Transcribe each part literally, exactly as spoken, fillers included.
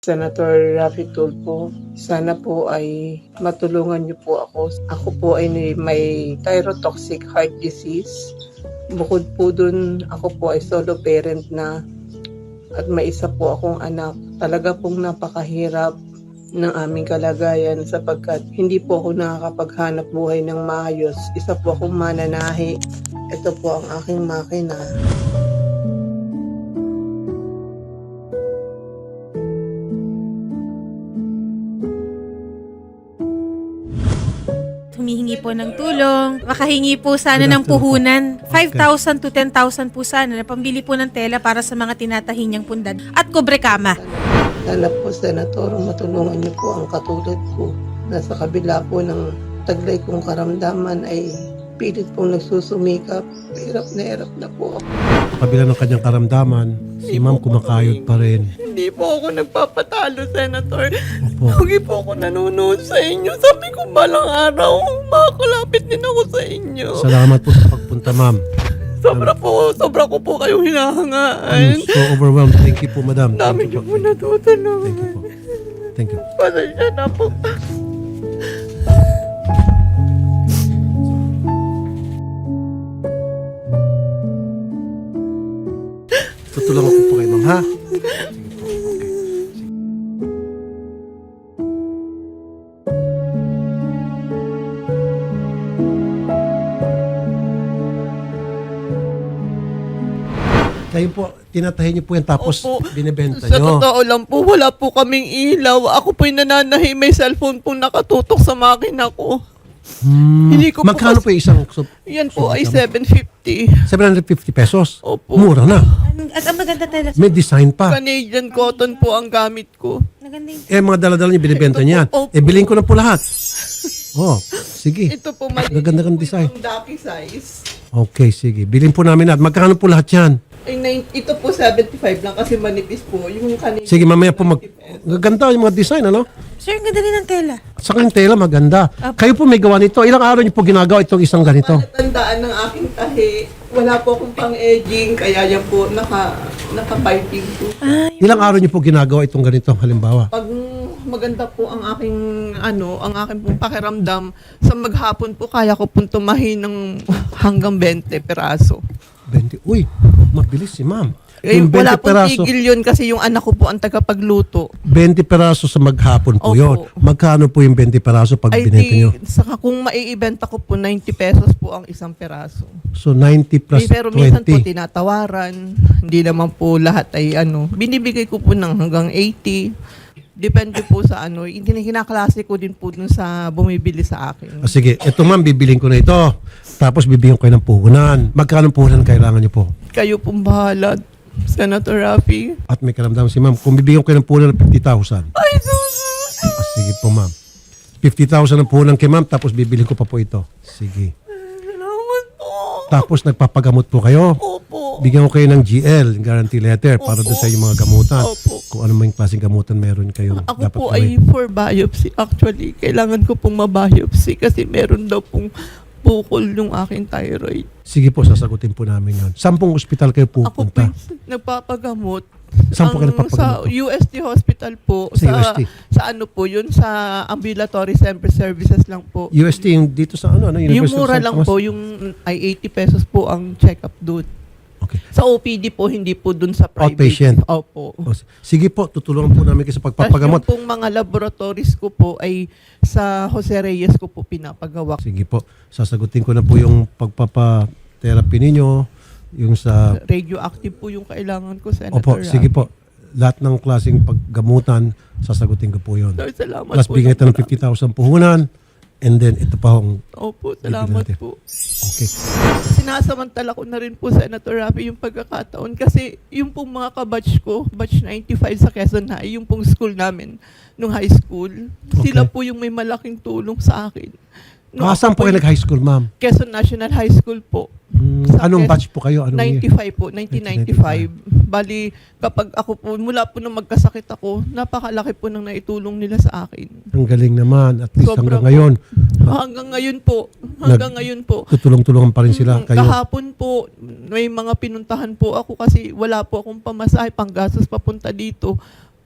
Senator Raffy Tulfo, sana po ay matulungan niyo po ako. Ako po ay may thyrotoxic heart disease. Bukod po dun, ako po ay solo parent na at may isa po akong anak. Talaga pong napakahirap ng aming kalagayan sapagkat hindi po ako nakakapaghanap buhay ng maayos. Isa po akong mananahi. Ito po ang aking makina. Humihingi po ng tulong. Makahingi po sana ng puhunan. five thousand to ten thousand po sana na pambili po ng tela para sa mga tinatahi niyang pundad. At kobre kama. Sana po, Senator, matulungan niyo po ang katulad ko na sa kabila po ng taglay kong karamdaman ay pilit pong nagsusumikap. Hirap na hirap na po ako. Kabila ng kanyang karamdaman, si ma'am kumakayod pa rin. Hindi po ako nagpapatalo, Senator. Opo. Lagi po ako nanonood sa inyo. Sabi ko balang araw, makakalapit din ako sa inyo. Salamat po sa pagpunta, ma'am. Sobra po, sobra ko po kayong hinahangaan. I'm so overwhelmed. Thank you po, madam. Dami niyo po natutulungan. Thank you po. Thank you. Pasensya na po. Tutulungan ko po kayo, ma'am, ha? Kayo po, tinatahin niyo po yan tapos Opo. binibenta Sa niyo. totoo lang po, wala po kaming ilaw. Ako po'y nananahi, may cellphone po nakatutok sa makina ko. Hmm. Hindi ko po Magkano kasi- po yung isang sub- Yan po ay subata mo? seven fifty. seven hundred fifty pesos? Opo. Mura na. At ang maganda tela. May design pa. Canadian cotton po ang gamit ko. Maganda yung... Eh, mga daladala niyo binibenta Ito po, niyan. opo. Eh, bilhin ko na po lahat. Oh, sige. Ito po, maliit Gaganda po ng design. yung ducky size. Okay, sige. Bilhin po namin lahat. Magkano po lahat yan? Ay, nine- ito po seventy-five lang kasi manipis po. Yung Canadian. Sige, mamaya po mag... Gaganda yung mga design, ano? Sir, ang ganda rin ng tela. Sa kanyang tela, maganda. Kayo po may gawa nito. Ilang araw niyo po ginagawa itong isang ganito? Palatandaan ng aking tahi. Wala po akong pang-edging, kaya yan po naka, naka-piping po. Ilang araw niyo po ginagawa itong ganito, halimbawa? Pag maganda po ang aking ano, ang aking pong pakiramdam, sa maghapon po kaya ko pong tumahi ng hanggang twenty peraso. twenty. Uy, mabilis si ma'am. Eh, Yung wala twenty pong peraso, tigil yun kasi yung anak ko po ang tagapagluto. twenty peraso sa maghapon po Opo. yun. Magkano po yung twenty peraso pag Ay binenta niyo? di, saka kung maiibenta ko po, ninety pesos po ang isang peraso. So, ninety plus Eh, pero minsan po twenty. tinatawaran. Hindi naman po lahat ay ano. Binibigay ko po ng hanggang eighty. Depende po sa ano. Hindi kinaklase ko din po dun sa bumibili sa akin. Ah, sige, ito ma'am, bibiling ko na ito. Tapos bibigyan ko kayo ng puhunan. Magkano puhunan kailangan niyo po? Kayo pong bahala, Senator Raffy. At may karamdaman si ma'am. Kung bibigyan ko kayo ng puhunan ng fifty thousand. Ay, sus! Ah, sige po ma'am. fifty thousand ang puhunan kay ma'am. Tapos bibiling ko pa po ito. Sige. Salamat po. Tapos nagpapagamot po kayo. Opo. Bigyan ko kayo ng G L, guarantee letter, para doon sa inyong mga gamutan. Opo. Kung ano mang klaseng gamutan meron kayong Ako dapat po gawin. ay for biopsy. Actually, kailangan ko pong mabiopsy kasi meron daw pong bukol yung aking thyroid. Sige po, sasagutin po namin yon. Sampung ospital kayo Ako po pupunta? nagpapagamot. Saan po kayo Ang- nagpapagamot Sa po? U S T Hospital po. Sa U S T? Sa ano po yun? Sa ambulatory sempre services lang po. U S T, yung dito sa ano? ano Yung University of mura San lang Tomas? po, yung ay eighty pesos po ang check-up doon. Okay. Sa O P D po, hindi po doon sa private. Outpatient? Opo. O, sige po, tutulungan po namin kayo sa Tapos pagpapagamot. yung pong mga laboratories ko po ay sa Jose Reyes ko po pinapagawa. Sige po, sasagutin ko na po yung pagpapa-therapy ninyo, yung sa... Radioactive po yung kailangan ko, Senator. Opo, sige Rafi. po. Lahat ng klaseng paggamutan, sasagutin ko po yun. Sir, salamat Plus, po. bigyan ito ng fifty thousand puhunan, and then ito pa ang... Opo, Bibili salamat natin. po. Okay. Sinasamantala ko na rin po, Senator Rafi, yung pagkakataon. Kasi yung pong mga kabatch ko, batch ninety-five sa Quezon High, yung pong school namin, nung high school, sila Okay. po yung may malaking tulong sa akin. Nung Ah, saan ako po kayo nag-high school, ma'am? Quezon National High School po. Hmm, Sa anong Quez- batch po kayo? Anong year? ninety-five po, nineteen ninety-five. Bali, kapag ako po, mula po nung magkasakit ako, napakalaki po nang naitulong nila sa akin. Ang galing naman. At least Sobra hanggang po. ngayon, Hanggang ngayon po, hanggang ngayon po. tutulong-tulungan pa rin sila Mm, kayo. Kahapon po, may mga pinuntahan po ako kasi wala po akong pamasahe, panggastos papunta dito.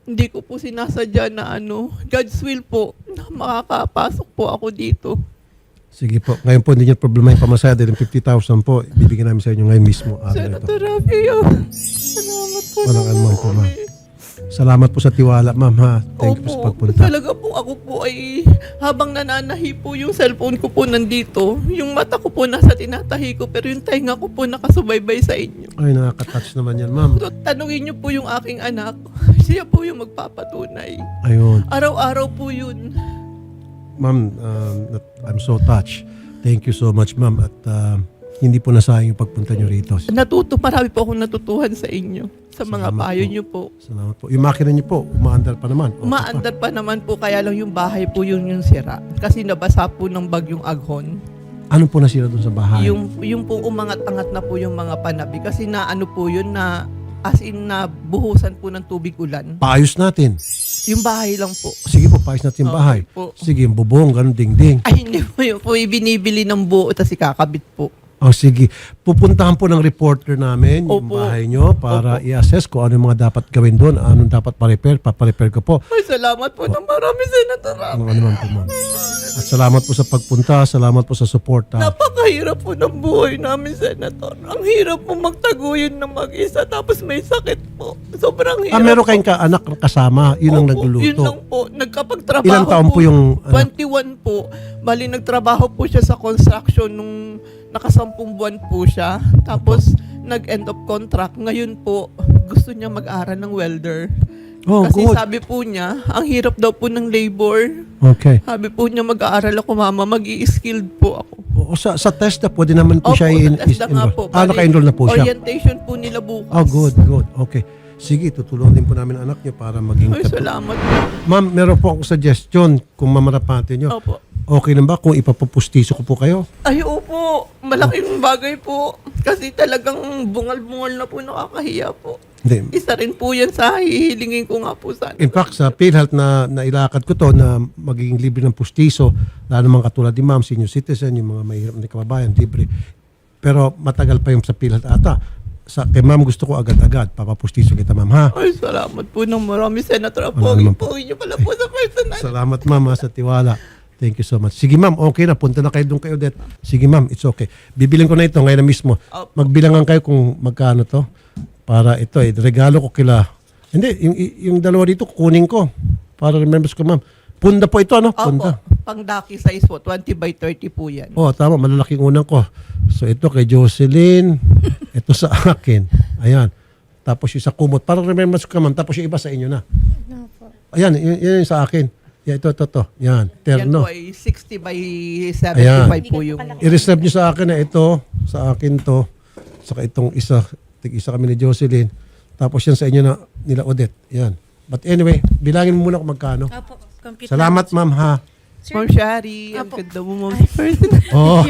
Hindi ko po sinasadya na ano, God's will po, na makakapasok po ako dito. Sige po. Ngayon po, hindi niyo problema yung pamasaya dahil yung fifty thousand po, ibibigyan namin sa inyo ngayon mismo. Araw na ito. Senator Rafi, oh, salamat po. Walang ng anuman po, ma'am. marami. Salamat po sa tiwala, ma'am, ha. Thank you po sa Opo, pagpunta. talaga po ako po ay habang nananahi po yung cellphone ko po nandito, yung mata ko po nasa tinatahi ko pero yung tainga ko po nakasubaybay sa inyo. Ay, nakaka-touch naman yan, ma'am. So, tanungin niyo po yung aking anak, siya po yung magpapatunay. Ayun. Araw-araw po yun. Ma'am, um, nat- I'm so touched. Thank you so much, ma'am. At uh, hindi po nasayang yung pagpunta nyo rito. Natuto, marami po akong natutuhan sa inyo, sa mga Salamat payo po. niyo po. Salamat po. Yung makina nyo po, umaandar pa naman. Okay pa. Umaandar pa naman po, kaya lang yung bahay po yung yung sira. Kasi nabasa po ng bagyong Aghon. Ano po nasira doon sa bahay? Yung, yung po umangat-angat na po yung mga panabi. Kasi na ano po yun na, as in na buhusan po ng tubig ulan. Paayos natin. Yung bahay lang po. Sige po, paayos natin yung bahay. Okay po. Sige, yung bubong, ganun, ding-ding. Ay, hindi po yun po. Ibinibili ng buo, tapos ikakabit po. O sige, pupuntahan po ng reporter namin yung Opo. bahay nyo para Opo. i-assess kung ano yung mga dapat gawin doon, anong dapat pa-repair, paparepair ko po. Ay, salamat po ng marami, Senator Rafi. Ano naman po, ma'am. At salamat po sa pagpunta, salamat po sa suporta. Napakahirap po ng buhay namin, Senator. Ang hirap po magtaguyod ng mag-isa, tapos may sakit po. Sobrang hirap Ah, meron po. kayong ka-anak kasama, yun ang Opo, nagluluto. Yun lang po. Nagkapagtrabaho Ilang taon po yung anak? twenty-one po. Bali, nagtrabaho po siya sa construction nung nakasampung buwan po siya. Tapos, nag-end of contract. Ngayon po, gusto niya mag-aral ng welder. Oh, Kasi good. sabi po niya, ang hirap daw po ng labor. Okay. Sabi po niya, mag-aaral ako, mama. Mag-i-skilled po ako. O, sa, sa TESDA, pwede naman po Opo, siya i- sa TESDA nga enroll. po. Ah, Bali, naka-enroll na po siya. Orientation po nila bukas. Oh, good, good. Okay. Sige, tutulungan din po namin ang anak niyo para maging Ay, katu- salamat. Ma'am, meron po akong suggestion kung mamarapate niyo. Opo. Okay lang ba kung ipapupustiso ko po kayo? Ay, opo. Malaking bagay po. Kasi talagang bungal-bungal na po, nakakahiya po. Hindi. Isa rin po yan sa hihilingin ko nga po sana. In fact, sa PhilHealth na nailakad ko to na magiging libre ng pustiso, lalo naman katulad ni ma'am, senior citizen, yung mga mahirap na kababayan, libre. Pero matagal pa yung sa PhilHealth ata. Sa, kay ma'am gusto ko agad-agad, papapustiso kita ma'am ha. Ay, salamat po ng marami, Senator. Wala naman po. Pogi-pogi niyo pala po sa personal. Salamat ma'am ha, sa tiwala. Thank you so much. Sige ma'am, okay na. Punta na kayo doon kayo, Odette. Sige ma'am, it's okay. Bibiling ko na ito ngayon na mismo. Opo. Magbilangan kayo kung magkano to. Para ito eh, regalo ko kila. Hindi, yung, yung dalawa dito kukunin ko. Para remembers ko ma'am. Punda po ito ano? Punda. Opo, pang daki size po, twenty by thirty po yan. Oh, tama. Malalaking unang ko. So ito kay Jocelyn. Ito sa akin. Ayan. Tapos yung sa kumot. Para remembers ko ma'am. Tapos yung iba sa inyo na. Ayan, yun, yun yung sa akin. Yan, ito, ito, ito. Yan, Yan terno. po ay sixty by seventy-five po yung... I-reserve nyo sa akin na ito, sa akin to, saka itong isa, tig-isa kami ni Jocelyn. Tapos yan sa inyo na nila Odette. Yan. But anyway, bilangin mo muna kung magkano. Opo, compute Salamat ma'am ha. Ma'am Shari, ang Apo. ganda mo mga person. Oh.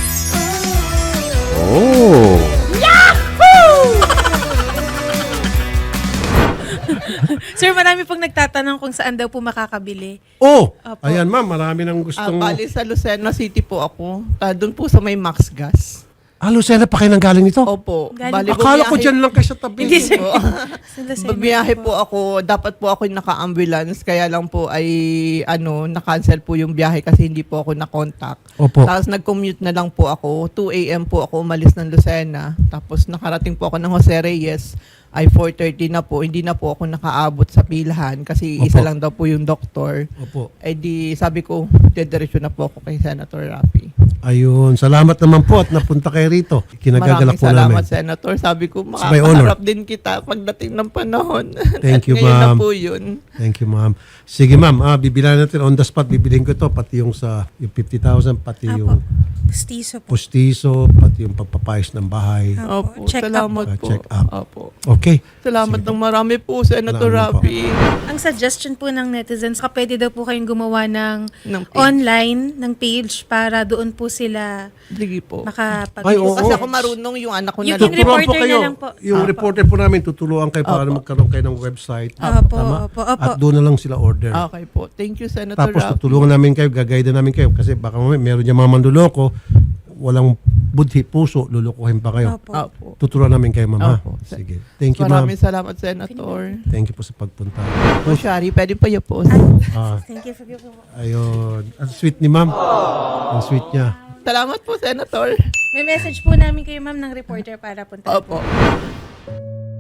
Sir, marami pong nagtatanong kung saan daw po makakabili. Oh. Opo. Ayan ma'am, marami nang Ah, gustong... bali sa Lucena City po ako. Ah, doon po sa may Max Gas. Ah, Lucena pa kayo nang galing nito? Opo. Galing Bali, Akala ko bumiyahe- dyan lang kayo sa tabi. Hindi, sir. po. Sa Lucena Babiyahe po ako, dapat po ako naka-ambulance, kaya lang po ay ano, na-cancel po yung biyahe kasi hindi po ako na-contact. Opo. Tapos nag-commute na lang po ako, two a.m. po ako umalis ng Lucena, tapos nakarating po ako ng Jose Reyes, ay four thirty na po, hindi na po ako nakaabot sa pilahan kasi Opo. isa lang daw po yung doktor. Opo. Eh di sabi ko, dediretso na po ako kay Senator Rafi. Ayun. Salamat naman po at napunta kayo rito. Kinagagalak Maraming po salamat, namin. Senator. Sabi ko, It's my honor. makakaharap din kita pagdating ng panahon. Thank you, At ngayon na ma'am. po yun. Thank you, ma'am. Sige, ma'am. Ah, bibilan natin on the spot. Bibilhin ko ito. Pati yung sa yung fifty thousand, pati Apo. yung Pustiso po. pustiso, pati yung pagpapayos ng bahay. Opo, Check up salamat po. po. Check up. Opo. Okay. Salamat ng marami po, Senator Salamat po. Rafi. Ang suggestion po ng netizens, ka pwede daw po kayong gumawa ng Ng page. online, ng page para doon po sila Sige po. makapag- Ay, oo. Kasi ako marunong yung anak ko na Yung lang. reporter Tuturuan po na kayo. lang po. Yung Apo. reporter po namin, tutulungan kayo para Apo. magkaroon kayo ng website. Opo, Tama? opo, opo. At doon na lang sila order. Okay po. Thank you, Senator Tapos Rafi. tutulungan namin kayo, gagayda namin kayo kasi baka mamaya meron dyan mga manduloko, walang budhi, puso, lulukuhin pa kayo. Opo. Opo. Tuturuan namin kayo, ma'am. ha? Opo. Sige. Thank you, ma'am. Maraming salamat, Senator. Thank you po sa pagpunta. O, Shari, pwede pa yung post. Ah, Thank you for your ayun. Ang sweet ni ma'am. Ang sweet niya. Salamat po, Senator. May message po namin kayo, ma'am, ng reporter para punta. Opo.